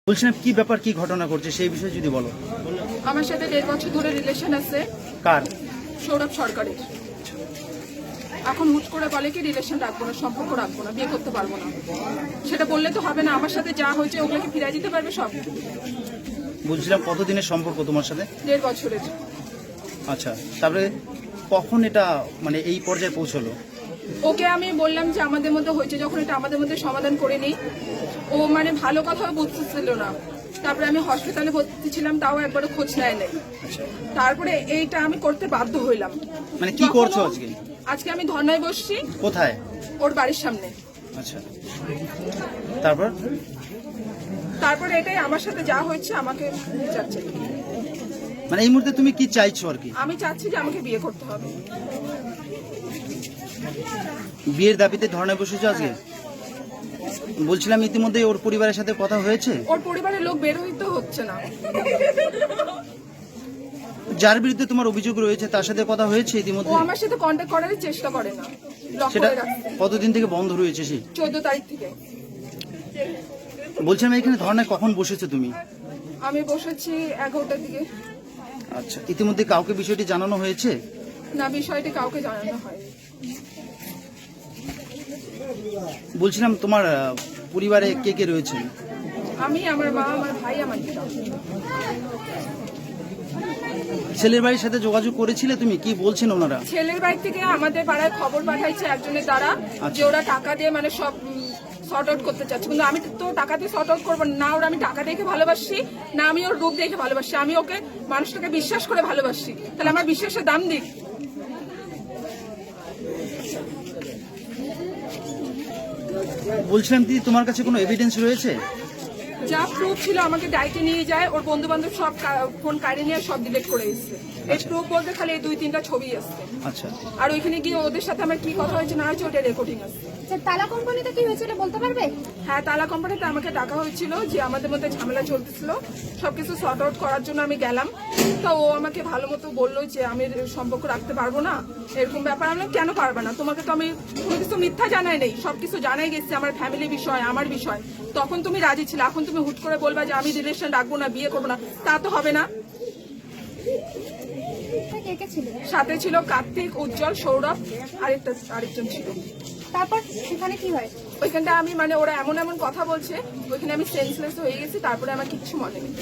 বলছিলাম কি ব্যাপার, কি ঘটনা করছে সেই বিষয়ে যদি বলো। আমার সাথে 1.5 বছর ধরে রিলেশন আছে। কার? সৌরভ সরকারের। এখন হুট করে বলে কি রিলেশন রাখবো না, সম্পর্ক রাখবো না, বিয়ে করতে পারবো না। সেটা বললে তো হবে না, আমার সাথে যা হয়েছে ওগুলোকে ফিরিয়ে দিতে পারবে সব। বলছিলাম কতদিনের সম্পর্ক তোমার সাথে? 1.5 বছরের। আচ্ছা, তারপরে কখন এটা মানে এই পর্যায়ে পৌঁছলো? ওকে আমি বললাম যে আমাদের মধ্যে হয়েছে যখন এটা আমাদের মধ্যে সমাধান করে নিই। ও মানে ভালো কথাও বুঝতেছিল না। তারপরে আমি হসপিটালে ভর্তি ছিলাম, তাও একবারও খোঁজ নেয় নাই। তারপরে এইটা আমি করতে বাধ্য হইলাম। মানে কি করছো আজকে? আজকে আমি ধর্নায় বসছি। কোথায়? ওর বাড়ির সামনে। আচ্ছা, তারপর? তারপরে এটাই আমার সাথে যা হয়েছে আমাকে বিচার চাই। মানে এই মুহূর্তে তুমি কি চাইছো আর কি? আমি চাচ্ছি যে আমাকে বিয়ে করতে হবে। বিয়ের দাবিতে ধর্নায় বসেছো আজকে? বলছিলাম ইতিমধ্যে ওর পরিবারের সাথে কথা হয়েছে? ওর পরিবারের লোক বের হইতে হচ্ছে না। যার বিরুদ্ধে তোমার অভিযোগ রয়েছে তার সাথে কথা হয়েছে ও ইতিমধ্যে? আমার সাথে কন্ট্যাক্ট করার চেষ্টা করে না। ব্লক সেটা করে রাখছে কতদিন থেকে বন্ধ রয়েছে? সেই 14 তারিখ থেকে। বলছিলাম এখানে ধর্নায় কখন বসেছো তুমি? আমি বসেছি 11টার দিকে। আচ্ছা, ইতিমধ্যে কাউকে বিষয়টি জানানো হয়েছে? না, বিষয়টি কাউকে জানানো হয়। বলছিলাম তোমার পরিবারে কে কে রয়েছে? আমি, আমার মা, আমার ভাই, আমার দিদা। ছেলের বাড়ির সাথে যোগাযোগ করেছিলে তুমি? কি বলছেন ওনারা? ছেলের বাড়ি থেকে আমাদের পাড়ায় খবর পাঠাইছে একজনের দ্বারা যে ওরা টাকা দিয়ে মানে সব শর্ট আউট করতে চাচ্ছে। কিন্তু আমি তো টাকা দিয়ে শর্ট আউট করবো না। ওরা আমি টাকা দেখে ভালোবাসি না, আমি ওর রূপ দেখে ভালোবাসি। আমি ওকে মানুষটাকে বিশ্বাস করে ভালোবাসি, তাহলে আমার বিশ্বাসের দাম দিক। বলছিলাম দিদি, তোমার কাছে কোনো এভিডেন্স রয়েছে? যা প্রুফ ছিল আমাকে ডাইকে নিয়ে যায়, ওর বন্ধু বান্ধব সব ফোন কাড়ে নিয়ে সব ডিলিট করে এসছে। এই প্রুফ বলতে খালি এই 2-3টা ছবি আসছে। আচ্ছা, আর ওইখানে গিয়ে ওদের সাথে আমার কি কথা হয়েছে না হয়েছে ওটা রেকর্ডিং আছে। তালা কোম্পানিতে কি হয়েছিল বলতে পারবে? হ্যাঁ, তালা কোম্পানিতে আমাকে ডাকা হয়েছিল যে আমাদের মধ্যে ঝামেলা চলতেছিল, সবকিছু সর্ট আউট করার জন্য আমি গেলাম। তো ও আমাকে ভালো মতো বললো যে আমি সম্পর্ক রাখতে পারবো না, এরকম ব্যাপার। আমি বললাম, কেন পারবে না? তোমাকে তো আমি কোনো কিছু মিথ্যা জানাই নেই, সবকিছু জানাই গেছে, আমার ফ্যামিলি বিষয়, আমার বিষয়। তখন তুমি রাজি ছিলে, এখন তুমি হুট করে বলবা যে আমি রিলেশন রাখবো না, বিয়ে করবো না, তা তো হবে না। কে কে ছিল? সাথে ছিল কার্তিক, উজ্জ্বল, সৌরভ, আরেকজন ছিল। তারপর সেখানে কি হয়? ওইখানটা আমি মানে ওরা এমন এমন কথা বলছে, ওইখানে আমি সেন্সলেস হয়ে গেছি। তারপরে আমার কিচ্ছু মনে নেই।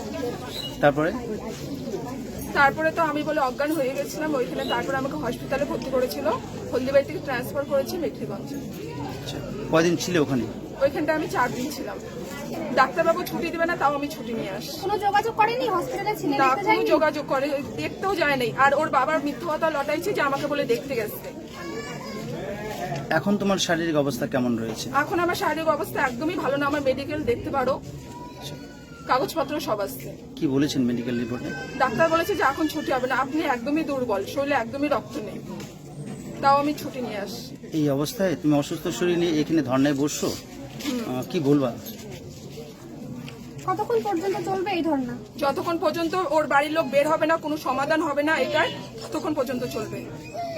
তারপরে তো আমি বলে অজ্ঞান হয়ে গেছিলাম ওইখানে। তারপরে আমাকে হসপিটালে ভর্তি করেছিল, হলদিবাড়ি থেকে ট্রান্সফার করেছে মেখলিগঞ্জে। আচ্ছা, কয়দিন ছিলে ওখানে? ওইখানটা আমি 4 দিন ছিলাম। ডাক্তারবাবু ছুটি দিবে না, তাও আমি ছুটি নিয়ে আসি। কোনো যোগাযোগ করেনি হসপিটালে ছিলেন? না, কোনো যোগাযোগ করে দেখতেও যায় নাই। আর ওর বাবার মিথ্যা কথা লটাইছে যে আমাকে বলে দেখতে গেছে। এখন তোমার শারীরিক অবস্থা কেমন রয়েছে? এখন আমার শারীরিক অবস্থা একদমই ভালো না। আমার মেডিকেল দেখতে পারো, কাগজপত্র সব আসছে। কি বলেছেন মেডিকেল রিপোর্টে? ডাক্তার বলেছে যে এখন ছুটি হবে না, আপনি একদমই দুর্বল, শরীরে একদমই রক্ত নেই। তাও আমি ছুটি নিয়ে আসি। এই অবস্থায় তুমি অসুস্থ শরীর নিয়ে এখানে ধর্নায় বসছো, কি বলবা? কতক্ষণ পর্যন্ত চলবে এই ধর্ণা? যতক্ষণ পর্যন্ত ওর বাড়ির লোক বের হবে না, কোনো সমাধান হবে না এটার, ততক্ষণ পর্যন্ত চলবে।